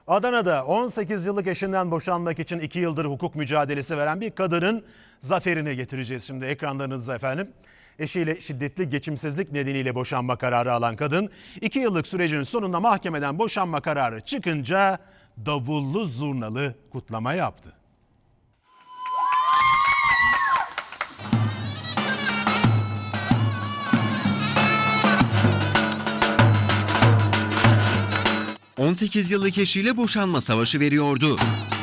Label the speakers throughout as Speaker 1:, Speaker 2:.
Speaker 1: Adana'da 18 yıllık eşinden boşanmak için 2 yıldır hukuk mücadelesi veren bir kadının zaferini getireceğiz şimdi ekranlarınıza efendim. Eşiyle şiddetli geçimsizlik nedeniyle boşanma kararı alan kadın 2 yıllık sürecin sonunda mahkemeden boşanma kararı çıkınca davullu zurnalı kutlama yaptı.
Speaker 2: ...18 yıllık eşiyle boşanma savaşı veriyordu.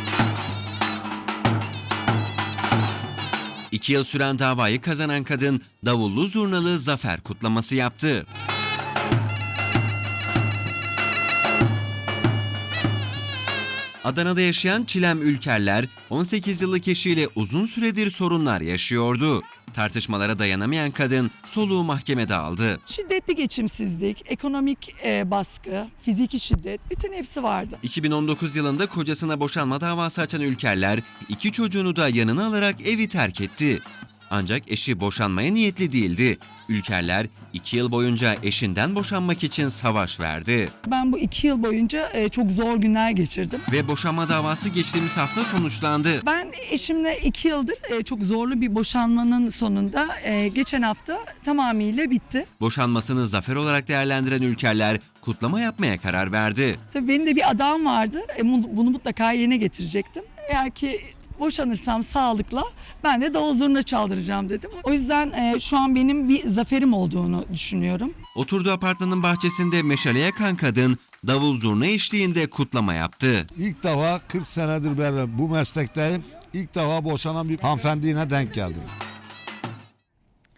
Speaker 2: 2 yıl süren davayı kazanan kadın davullu zurnalı zafer kutlaması yaptı. Adana'da yaşayan Çilem Ülkerler 18 yıllık eşiyle uzun süredir sorunlar yaşıyordu. Tartışmalara dayanamayan kadın soluğu mahkemede aldı.
Speaker 3: Şiddetli geçimsizlik, ekonomik baskı, fiziki şiddet, bütün hepsi vardı.
Speaker 2: 2019 yılında kocasına boşanma davası açan Ülkerler 2 çocuğunu da yanına alarak evi terk etti. Ancak eşi boşanmaya niyetli değildi. Ülkerler 2 yıl boyunca eşinden boşanmak için savaş verdi.
Speaker 3: Ben bu 2 yıl boyunca çok zor günler geçirdim.
Speaker 2: Ve boşanma davası geçtiğimiz hafta sonuçlandı.
Speaker 3: Ben eşimle 2 yıldır çok zorlu bir boşanmanın sonunda geçen hafta tamamıyla bitti.
Speaker 2: Boşanmasını zafer olarak değerlendiren Ülkerler kutlama yapmaya karar verdi.
Speaker 3: Tabii benim de bir adağım vardı. Bunu mutlaka yerine getirecektim. Eğer ki boşanırsam sağlıkla ben de davul zurna çaldıracağım dedim. O yüzden şu an benim bir zaferim olduğunu düşünüyorum.
Speaker 2: Oturduğu apartmanın bahçesinde meşale yakan kadın davul zurna eşliğinde kutlama yaptı.
Speaker 4: İlk defa 40 senedir ben bu meslekteyim. İlk defa boşanan bir hanımefendiyle denk geldim.